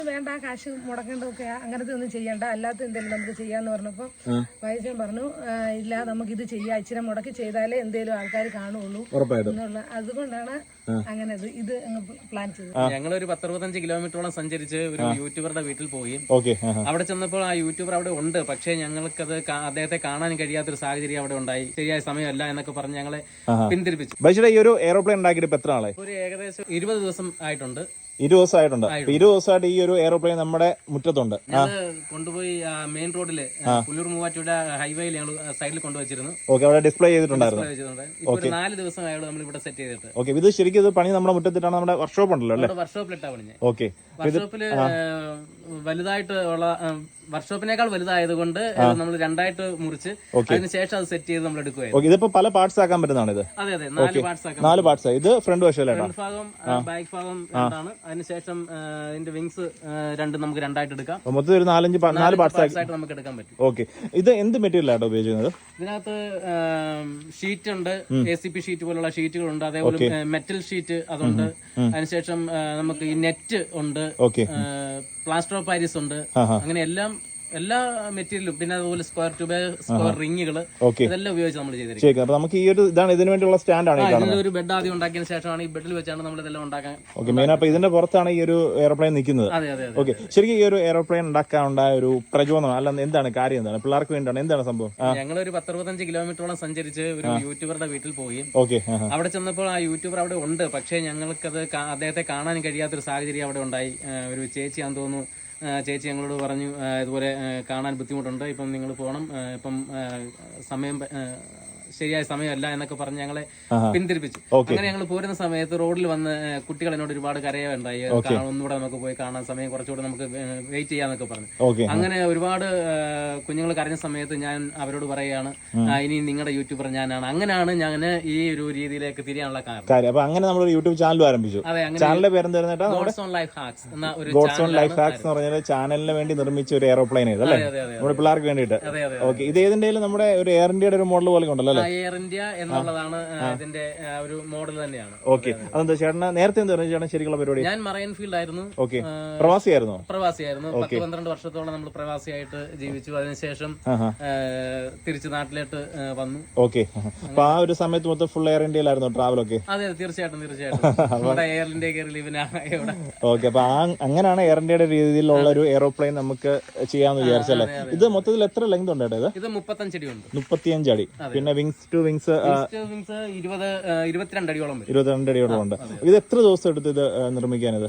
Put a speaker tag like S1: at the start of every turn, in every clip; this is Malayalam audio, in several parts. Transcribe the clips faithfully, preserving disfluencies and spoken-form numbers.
S1: വേണ്ട കാശ് മുടക്കേണ്ടതൊക്കെ അങ്ങനത്തെ ഒന്നും ചെയ്യണ്ട, അല്ലാത്ത എന്തെങ്കിലും നമുക്ക് ചെയ്യാന്ന് പറഞ്ഞപ്പോൾ വൈദ്യൻ പറഞ്ഞു ഇല്ല നമുക്ക് ഇത് ചെയ്യാം, ഇച്ചിരി മുടക്കി ചെയ്താലേ എന്തെങ്കിലും ആൾക്കാർ കാണുള്ളൂ എന്നുള്ള അതുകൊണ്ടാണ് അങ്ങനെ ഇത് പ്ലാൻ ചെയ്തത്.
S2: ഞങ്ങളൊരു പത്തറുപത്തഞ്ച് കിലോമീറ്ററോളം സഞ്ചരിച്ച് ഒരു യൂട്യൂബറുടെ വീട്ടിൽ പോയി. അവിടെ ചെന്നപ്പോൾ ആ യൂട്യൂബർ അവിടെ ഉണ്ട്, പക്ഷേ ഞങ്ങൾക്കത് അദ്ദേഹത്തെ കാണാൻ കഴിയാത്തൊരു സാഹചര്യം അവിടെ ഉണ്ടായി. ശരിയായ സമയമല്ല എന്നൊക്കെ പറഞ്ഞ് ഞങ്ങളെ പിന്തിരിപ്പിച്ചു.
S3: ഈ ഒരു എയറോപ്ലെയിൻ ഉണ്ടാക്കിയിട്ട് എത്ര നാളെ?
S2: ഒരു ഏകദേശം ഇരുപത് ദിവസം ആയിട്ടുണ്ട്.
S3: ഇരുപത് ദിവസമായിട്ടുണ്ട്. ഇരുപത് ദിവസമായിട്ട് ഈ ഒരു എയറോപ്ലെയിൻ നമ്മുടെ മുറ്റത്തുണ്ട്.
S2: കൊണ്ടുപോയി മെയിൻ റോഡില് പുല്ലൂർ മൂവാറ്റുപുഴ ഹൈവേയിൽ ഞങ്ങൾ സൈഡിൽ കൊണ്ടുവച്ചിരുന്നു.
S3: ഓക്കെ, അവിടെ ഡിസ്പ്ലേ ചെയ്തിട്ടുണ്ടായിരുന്നു.
S2: നാല് ദിവസമായുള്ളൂ നമ്മൾ ഇവിടെ സെറ്റ് ചെയ്തിട്ട്.
S3: ഓക്കെ, ഇത് ശരിക്കും ഇത് പണി നമ്മുടെ മുറ്റത്തിട്ടാണ്. നമ്മുടെ വർക്ക്ഷോപ്പ് ഉണ്ടല്ലോ അല്ലേ?
S2: വർക്ക്ഷോപ്പിലിട്ടാ പണിഞ്ഞത്.
S3: ഓക്കെ,
S2: വർക്ക്ഷോപ്പില് വലുതായിട്ട് ഉള്ള വർക്ക്ഷോപ്പിനേക്കാൾ വലുതായത് കൊണ്ട് നമ്മൾ രണ്ടായിട്ട് മുറിച്ച് അതിനുശേഷം അത് സെറ്റ് ചെയ്ത് നമ്മൾ എടുക്കുകയായിരുന്നു.
S3: ഇതിപ്പോ പല പാർട്സ് ആക്കാൻ പറ്റുന്നതാണ് ഇത്.
S2: അതെ അതെ, നാല് പാർട്സ് ആക്കാം.
S3: നാല് പാർട്സ്. ഇത് ഫ്രണ്ട് വശം,
S2: ഫ്രണ്ട് ഭാഗം ബാക്ക് ഭാഗം രണ്ടാണ്. അതിനുശേഷം ഇതിന്റെ വിങ്സ് രണ്ട് നമുക്ക് രണ്ടായിട്ട് എടുക്കാം.
S3: മൊത്തം ഒരു നാലഞ്ച് നാല് പാർട്സ്
S2: ആയിട്ട് നമുക്ക് എടുക്കാൻ പറ്റും.
S3: ഓക്കെ, ഇത് എന്ത് മെറ്റീരിയൽ ആട്ടോ ഉപയോഗിക്കുന്നത്?
S2: ഇതിനകത്ത് ഷീറ്റ് ഉണ്ട്, എ സി പി ഷീറ്റ് പോലുള്ള ഷീറ്റുകളുണ്ട്, അതേപോലെ മെറ്റൽ ഷീറ്റ് അതുണ്ട്. അതിനുശേഷം നമുക്ക് ഈ നെറ്റ് ഉണ്ട്, പ്ലാസ്റ്റർ ഓഫ് പാരീസ് ഉണ്ട്. അങ്ങനെ എല്ലാം എല്ലാ മെറ്റീരിയലും, പിന്നെ അതുപോലെ സ്ക്വയർ ട്യൂബ്, സ്ക്വയർ റിങ്ങുകള്, ഇതെല്ലാം ഉപയോഗിച്ച് നമ്മൾ ചെയ്തിരിക്കുന്നത്.
S3: അപ്പൊ നമുക്ക് ഈ ഒരു ഇതാണ് ഇതിനു വേണ്ടിയുള്ള സ്റ്റാൻഡാണ്.
S2: ഒരു ബെഡ് ആദ്യം ഉണ്ടാക്കിയതിനു ശേഷമാണ് ഈ ബെഡിൽ വെച്ചാണ് നമ്മൾ ഇതെല്ലാം ഉണ്ടാക്കാൻ.
S3: ഓക്കെ, മെയിൻ അപ്പൊ ഇതിന്റെ പുറത്താണ് ഈ ഒരു എയർപ്ലെയിൻ നിൽക്കുന്നത്.
S2: അതെ അതെ.
S3: ഓക്കെ, ശരിക്കും ഈ ഒരു എയർപ്ലെയിൻ ഉണ്ടാക്കാൻ ഉണ്ടായ ഒരു പ്രചോദനം അല്ല, എന്താണ് കാര്യം? എന്താണ് പിള്ളേർക്ക് വേണ്ടിയാണ്? എന്താണ് സംഭവം?
S2: ഞങ്ങളൊരു പത്തറുപത്തഞ്ച് കിലോമീറ്ററോളം സഞ്ചരിച്ച് ഒരു യൂട്യൂബറുടെ വീട്ടിൽ പോയി.
S3: ഓക്കെ,
S2: അവിടെ ചെന്നപ്പോൾ ആ യൂട്യൂബർ അവിടെ ഉണ്ട്, പക്ഷേ ഞങ്ങൾക്കത് അദ്ദേഹത്തെ കാണാൻ കഴിയാത്തൊരു സാഹചര്യം അവിടെ ഉണ്ടായി. ഒരു ചേച്ചിയാന്ന് തോന്നുന്നു, ചേച്ചി ഞങ്ങളോട് പറഞ്ഞു ഇതുപോലെ കാണാൻ ബുദ്ധിമുട്ടുണ്ട്, ഇപ്പം നിങ്ങൾ പോകണം, ഇപ്പം സമയം ശരിയായ സമയമല്ല എന്നൊക്കെ പറഞ്ഞ് ഞങ്ങളെ പിന്തിരിപ്പിച്ചു. അങ്ങനെ ഞങ്ങൾ പോരുന്ന സമയത്ത് റോഡിൽ വന്ന് കുട്ടികൾ എന്നോട് ഒരുപാട് കരയുണ്ടായി, ഒന്നുകൂടെ നമുക്ക് പോയി കാണാൻ സമയം കുറച്ചുകൂടെ നമുക്ക് വെയിറ്റ് ചെയ്യാന്നൊക്കെ പറഞ്ഞു. അങ്ങനെ ഒരുപാട് കുഞ്ഞുങ്ങൾ കരഞ്ഞ സമയത്ത് ഞാൻ അവരോട് പറയുകയാണ് ഇനി നിങ്ങളുടെ യൂട്യൂബർ ഞാനാണ്. അങ്ങനെയാണ് ഞാൻ ഈ ഒരു രീതിയിലേക്ക് തിരിയാനുള്ള കാരണം.
S3: അപ്പൊ അങ്ങനെ നമ്മൾ യൂട്യൂബ് ചാനൽ ആരംഭിച്ചു.
S2: അതെ,
S3: ചാനലിന്റെ പേര്
S2: ഗോഡ്സ് ഓൺ ലൈഫ് ഹാക്സ് എന്ന ഒരു
S3: ലൈഫ് ഹാക്സ് എന്ന് പറഞ്ഞാൽ ചാനലിന് വേണ്ടി നിർമ്മിച്ച ഒരു എയർപ്ലെയിൻ ഇത് അല്ലേ, നമ്മുടെ പിള്ളേർക്ക് വേണ്ടിയിട്ട്. ഓക്കെ, ഇത് ഏതിന്റെ നമ്മുടെ ഒരു എയർ ഇന്ത്യയുടെ ഒരു മോഡൽ പോലെ ഉണ്ടല്ലോ?
S2: എയർ ഇന്ത്യ എന്നുള്ളതാണ് ഇതിന്റെ ഒരു മോഡൽ തന്നെയാണ്.
S3: ഓക്കെ, അതെന്താ ചേട്ടന് നേരത്തെ എന്താ ചേട്ടൻ ശരിക്കുള്ള പരിപാടി?
S2: ഞാൻ മറൈൻ ഫീൽഡ് ആയിരുന്നു.
S3: ഓക്കെ, പ്രവാസിയായിരുന്നു?
S2: പ്രവാസിയായിരുന്നു. പത്ത് പന്ത്രണ്ട് വർഷത്തോളം നമ്മൾ പ്രവാസിയായിട്ട് ജീവിച്ചു. അതിനുശേഷം തിരിച്ച് നാട്ടിലോട്ട് വന്നു.
S3: ഓക്കെ, അപ്പൊ ആ ഒരു സമയത്ത് മൊത്തം ഫുൾ എയർ ഇന്ത്യയിലായിരുന്നു ട്രാവൽ ഒക്കെ?
S2: അതെ, തീർച്ചയായിട്ടും തീർച്ചയായിട്ടും എയർ ഇന്ത്യ ലീവിനാണ്.
S3: ഓക്കെ, അപ്പൊ അങ്ങനെ എയർ ഇന്ത്യയുടെ രീതിയിലുള്ള ഒരു എയറോപ്ലെയിൻ നമുക്ക് ചെയ്യാന്ന് വിചാരിച്ചല്ലേ? ഇത് മൊത്തത്തിൽ എത്ര ലെങ്ത് ഉണ്ട്?
S2: ഇത് മുപ്പത്തഞ്ച് അടി ഉണ്ട്.
S3: മുപ്പത്തിയഞ്ച് അടി. പിന്നെ വിങ്സ് ടു വിങ്സ്
S2: ഇരുപത്തിരണ്ട് അടിയോളം
S3: ഇരുപത്തിരണ്ട് അടിയോളം ഉണ്ട്. ഇത് എത്ര ദിവസം എടുത്ത് ഇത് നിർമ്മിക്കാനിത്?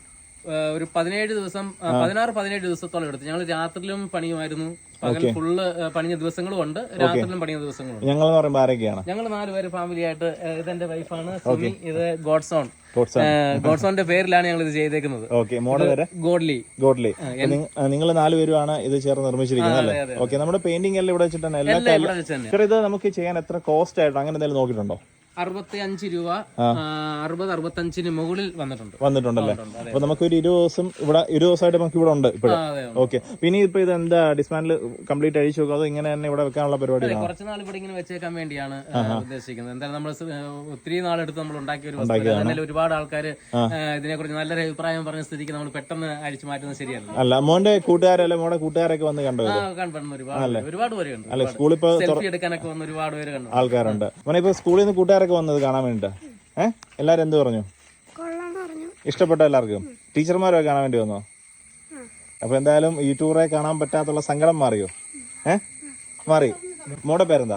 S2: ഒരു പതിനേഴ് ദിവസം പതിനാറ് പതിനേഴ് ദിവസത്തോളം എടുത്തു. ഞങ്ങൾ രാത്രിയിലും പണിയുമായിരുന്നു, പകൽ ഫുള്ള് പണിഞ്ഞ ദിവസങ്ങളും ഉണ്ട്, രാത്രിയിലും പണിഞ്ഞ ദിവസങ്ങളും ഉണ്ട്.
S3: ഞങ്ങൾ പറയുമ്പോൾ ആരൊക്കെയാണ്?
S2: ഞങ്ങൾ നാലുപേര് ഫാമിലി ആയിട്ട്. ഇതെന്റെ വൈഫാണ് സുമി, ഇത് ഗോഡ്സോൺ. ഗോഡ്സോണിന്റെ പേരിലാണ് ഞങ്ങൾ ഇത് ചെയ്തേക്കുന്നത്. ഗോഡ്ലി.
S3: ഗോഡ്ലി. നിങ്ങൾ നാലുപേരുമാണ് ഇത് ചേർന്ന് നിർമ്മിച്ചിരിക്കുന്നത് അല്ലേ? ഓക്കെ, നമ്മുടെ പെയിന്റിംഗ് എല്ലാം ഇവിടെ വെച്ചിട്ടാണ്. എല്ലാ ഇത് നമുക്ക് ചെയ്യാൻ എത്ര കോസ്റ്റ് ആയിട്ടോ അങ്ങനെ എന്തെങ്കിലും നോക്കിയിട്ടുണ്ടോ?
S2: അറുപത്തി അഞ്ച് രൂപ അറുപത് അറുപത്തഞ്ചിന് മുകളിൽ വന്നിട്ടുണ്ട്
S3: വന്നിട്ടുണ്ടല്ലേ? അപ്പൊ നമുക്ക് ഒരു ഇരുപത് ദിവസം ഇവിടെ ഇരുപത് ദിവസമായിട്ട് നമുക്ക് ഇവിടെ ഉണ്ട് ഇപ്പോഴും. ഓക്കെ, പിന്നെ ഇപ്പൊ ഇത് എന്താ ഡിസ്മാൻഡിൽ കംപ്ലീറ്റ് അഴിച്ചു നോക്കുക, അതോ ഇങ്ങനെ തന്നെ ഇവിടെ വെക്കാനുള്ള പരിപാടി?
S2: കുറച്ച് നാൾ ഇവിടെ ഇങ്ങനെ വെച്ചേക്കാൻ വേണ്ടിയാണ് ഉദ്ദേശിക്കുന്നത്. എന്തായാലും നമ്മൾ ഒത്തിരി നാളെടുത്ത് നമ്മൾ ഉണ്ടാക്കിയ ഒരു വസ്തു. ഒരുപാട് ആൾക്കാർ ഇതിനെ കുറിച്ച് നല്ലൊരു അഭിപ്രായം പറഞ്ഞ സ്ഥിതിക്ക് നമ്മൾ പെട്ടെന്ന് അഴിച്ചു മാറ്റുന്നത് ശരിയല്ല.
S3: അല്ല, മോന്റെ കൂട്ടുകാരല്ലേ, മോടെ കൂട്ടുകാരൊക്കെ വന്ന് കണ്ടു?
S2: കണ്ടു, ഒരുപാട് ഒരുപാട് പേര് കണ്ടു.
S3: അല്ല, സ്കൂളിൽ ഇപ്പൊ
S2: സെൽഫി എടുക്കാനൊക്കെ വന്ന് ഒരുപാട് പേര് കണ്ടു.
S3: ആൾക്കാരുണ്ട്. മോനെ ഇപ്പൊ സ്കൂളിൽ നിന്ന് കൂട്ടുകാർ വന്നത് കാണാൻ വേണ്ടിട്ട് ഏഹ് എല്ലാരും എന്ത് പറഞ്ഞു? ഇഷ്ടപ്പെട്ട എല്ലാവർക്കും? ടീച്ചർമാരൊക്കെ കാണാൻ വേണ്ടി വന്നോ? അപ്പൊ എന്തായാലും ഈ ടൂറെ കാണാൻ പറ്റാത്തുള്ള സങ്കടം മാറിയോ? ഏഹ് മാറി. മോടെ പേരെന്താ?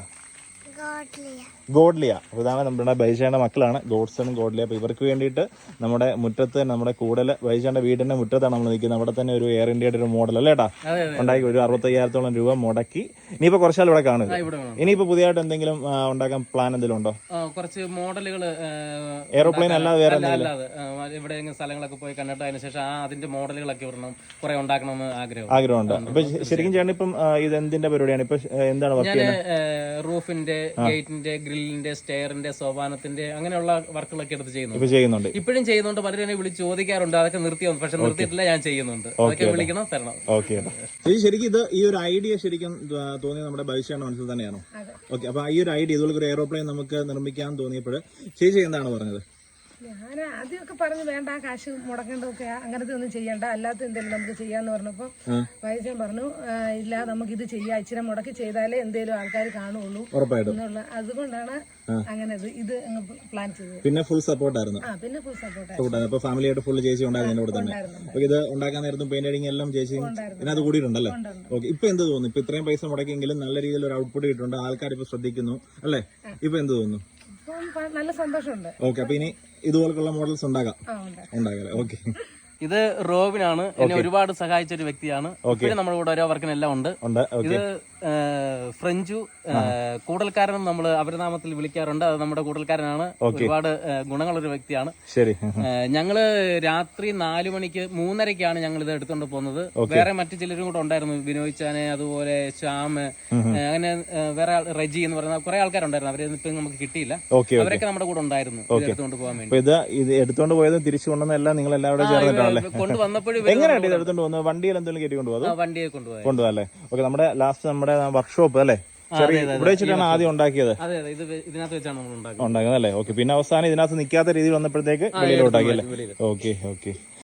S3: ഗോഡ്ലിയ. അപ്പോൾ ഇതാണ് നമ്മുടെ ബൈജാന്റെ മക്കളാണ്, ഗോഡ്സണും ഗോഡ്ലിയ. അപ്പോൾ ഇവർക്ക് വേണ്ടിയിട്ട് നമ്മുടെ മുറ്റത്ത് നമ്മുടെ കൂടുതൽ ബൈജാന്റെ വീടിന്റെ മുറ്റത്താണ് നമ്മൾ നിൽക്കുന്നത്. അവിടെ തന്നെ ഒരു എയർ ഇന്ത്യയുടെ ഒരു മോഡൽ അല്ലേ ഏട്ടാ ഉണ്ടാക്കി ഒരു അറുപത്തയ്യായിരത്തോളം രൂപ മുടക്കി. ഇനിയിപ്പോ കുറച്ചാൽ ഇവിടെ കാണുക. ഇനിയിപ്പോ പുതിയതായിട്ട് എന്തെങ്കിലും ഉണ്ടാക്കാൻ പ്ലാൻ എന്തെങ്കിലും ഉണ്ടോ?
S2: കുറച്ച് മോഡലുകൾ
S3: എയറോപ്ലെയിൻ അല്ലാതെ വേറെ
S2: ഇവിടെ സ്ഥലങ്ങളൊക്കെ പോയി കണ്ടിട്ട് അതിന് ശേഷം ആ അതിന്റെ മോഡലുകളൊക്കെ വരണം കുറെ ഉണ്ടാക്കണമെന്ന് ആഗ്രഹം
S3: ആഗ്രഹമുണ്ട്. അപ്പൊ ശരിക്കും ചേട്ടൻ ഇപ്പം ഇത് എന്തിന്റെ പരിപാടിയാണ് ഇപ്പൊ? എന്താണ് വർക്ക് ചെയ്യുന്നത്?
S2: റൂഫിന്റെ, ഗേറ്റിന്റെ, ഗ്രില്ലിന്റെ, സ്റ്റെയറിന്റെ, സോപാനത്തിന്റെ അങ്ങനെയുള്ള വർക്കുകളൊക്കെ എടുത്ത് ചെയ്യുന്നുണ്ട്.
S3: ചെയ്യുന്നുണ്ട്
S2: ഇപ്പോഴും ചെയ്യുന്നുണ്ട്. പലരും എന്നെ വിളിച്ച് ചോദിക്കാറുണ്ട്, അതൊക്കെ നിർത്തിയോ? പക്ഷെ നിർത്തിയിട്ടില്ല, ഞാൻ ചെയ്യുന്നുണ്ട്. അതൊക്കെ വിളിക്കണം, തരണം.
S3: ഓക്കെ, ശരിക്കും ഇത് ഈ ഒരു ഐഡിയ ശരിക്കും തോന്നിയത് നമ്മുടെ ഭവിഷ്യാണ് മനസ്സിൽ തന്നെയാണോ? ഓക്കെ, അപ്പൊ ഈ ഒരു ഐഡിയ ഇതുപോലെ ഒരു എയറോപ്ലെയിൻ നമുക്ക് നിർമ്മിക്കാൻ തോന്നിയപ്പോൾ ചേച്ചി എന്താണ് പറഞ്ഞത്?
S1: ഞാൻ ആദ്യമൊക്കെ പറഞ്ഞു വേണ്ട കാശ് മുടക്കേണ്ടതൊക്കെ അങ്ങനത്തെ ഒന്നും ചെയ്യണ്ട, അല്ലാത്ത എന്തെങ്കിലും നമുക്ക് ചെയ്യാന്ന് പറഞ്ഞപ്പോൾ വൈദ്യൻ പറഞ്ഞു "ആ, ഇല്ല നമുക്ക് ഇത് ചെയ്യാം, ഇച്ചിരി മുടക്കി ചെയ്താലേ എന്തേലും ആൾക്കാർ കാണുള്ളൂ എന്നുള്ള അതുകൊണ്ടാണ് അങ്ങനെ ഇത് ഇത് അങ്ങ് പ്ലാൻ ചെയ്തത്.
S3: പിന്നെ ഫുൾ സപ്പോർട്ടായിരുന്നു.
S1: ആ പിന്നെ ഫുൾ സപ്പോർട്ട്
S3: സപ്പോർട്ടായിരുന്നു. അപ്പൊ ഫാമിലി ആയിട്ട് ഫുൾ ചേച്ചി ഉണ്ടായിരുന്നു ഇവിടെ തന്നെ. അപ്പൊ ഇത് ഉണ്ടാക്കാൻ നേരത്തും പെയിന്റ് അടിങ് എല്ലാം ചേച്ചി ഇതിനകത്ത് കൂടിയിട്ടുണ്ടല്ലേ? ഓക്കെ. ഇപ്പൊ എന്ത് തോന്നുന്നു? ഇപ്പൊ ഇത്രയും പൈസ മുടക്കിയെങ്കിലും നല്ല രീതിയിൽ ഒരു ഔട്ട്പുട്ട് കിട്ടുന്നുണ്ട്, ആൾക്കാർ ഇപ്പൊ ശ്രദ്ധിക്കുന്നു അല്ലേ? ഇപ്പൊ എന്ത് തോന്നുന്നു?
S1: ഇപ്പം നല്ല സന്തോഷമുണ്ട്.
S3: ഓക്കെ. അപ്പൊ ഇനി ഇതുപോലുള്ള മോഡൽസ് ഉണ്ടാകാം
S1: ആ ഉണ്ടാക്കാം.
S3: ഉണ്ടാകാം. ഓക്കെ.
S2: ഇത് റോബിനാണ്, എന്നെ ഒരുപാട് സഹായിച്ച ഒരു വ്യക്തിയാണ്. ഇപ്പോഴും നമ്മുടെ കൂടെ ഓരോ വർക്കിനെല്ലാം ഉണ്ട്. ഇത് ഫ്രഞ്ചു കൂടൽക്കാരൻ നമ്മൾ അപരനാമത്തിൽ വിളിക്കാറുണ്ട്. അത് നമ്മുടെ കൂടൽക്കാരനാണ്. ഒരുപാട് ഗുണങ്ങളൊരു വ്യക്തിയാണ്.
S3: ശരി.
S2: ഞങ്ങള് രാത്രി നാലു മണിക്ക് മൂന്നരക്കാണ് ഞങ്ങൾ ഇത് എടുത്തോണ്ട് പോകുന്നത്. വേറെ മറ്റു ചിലരും കൂടെ ഉണ്ടായിരുന്നു, ബിനോയ് ചാന്, അതുപോലെ ശ്യാം, അങ്ങനെ വേറെ റെജി എന്ന് പറയുന്ന കുറെ ആൾക്കാരുണ്ടായിരുന്നു. അവരെ ഇപ്പൊ നമുക്ക് കിട്ടിയില്ല. അവരൊക്കെ നമ്മുടെ കൂടെ ഉണ്ടായിരുന്നു എടുത്തുകൊണ്ട് പോകാൻ വേണ്ടി.
S3: ഇത് ഇത് എടുത്തോണ്ട് പോയതും തിരിച്ചു കൊണ്ടുവന്നെല്ലാം നിങ്ങൾ എല്ലാവരും ചേർന്നിട്ടാണല്ലേ
S2: കൊണ്ടുവന്നപ്പോഴും
S3: എങ്ങനെയാണ് ഇത് എടുത്തോണ്ട് പോകുന്നത്? വണ്ടിയിൽ എന്തെങ്കിലും കയറ്റി കൊണ്ടുപോകും?
S2: വണ്ടിയെ കൊണ്ടുപോയി
S3: കൊണ്ടുപോകല്ലേ? ഓക്കെ. നമ്മുടെ ലാസ്റ്റ് നമ്മുടെ വർക്ക്ഷോപ്പ് അല്ലേ? ചെറിയ ഇവിടെ വെച്ചിട്ടാണ് ആദ്യം ഉണ്ടാക്കിയത്.
S2: അതെ അതെ ഇത് ഇതിനകത്ത് വെച്ചാണ് നമ്മൾ ഉണ്ടാക്കുന്നത്
S3: ഉണ്ടാക്കുന്നത് അല്ലേ? ഓക്കെ. പിന്നെ അവസാനം ഇതിനകത്ത് നിൽക്കാത്ത രീതിയിൽ വന്നപ്പോഴത്തേക്ക് വെളിയിലോട്ടാക്കി അല്ലേ? Okay okay.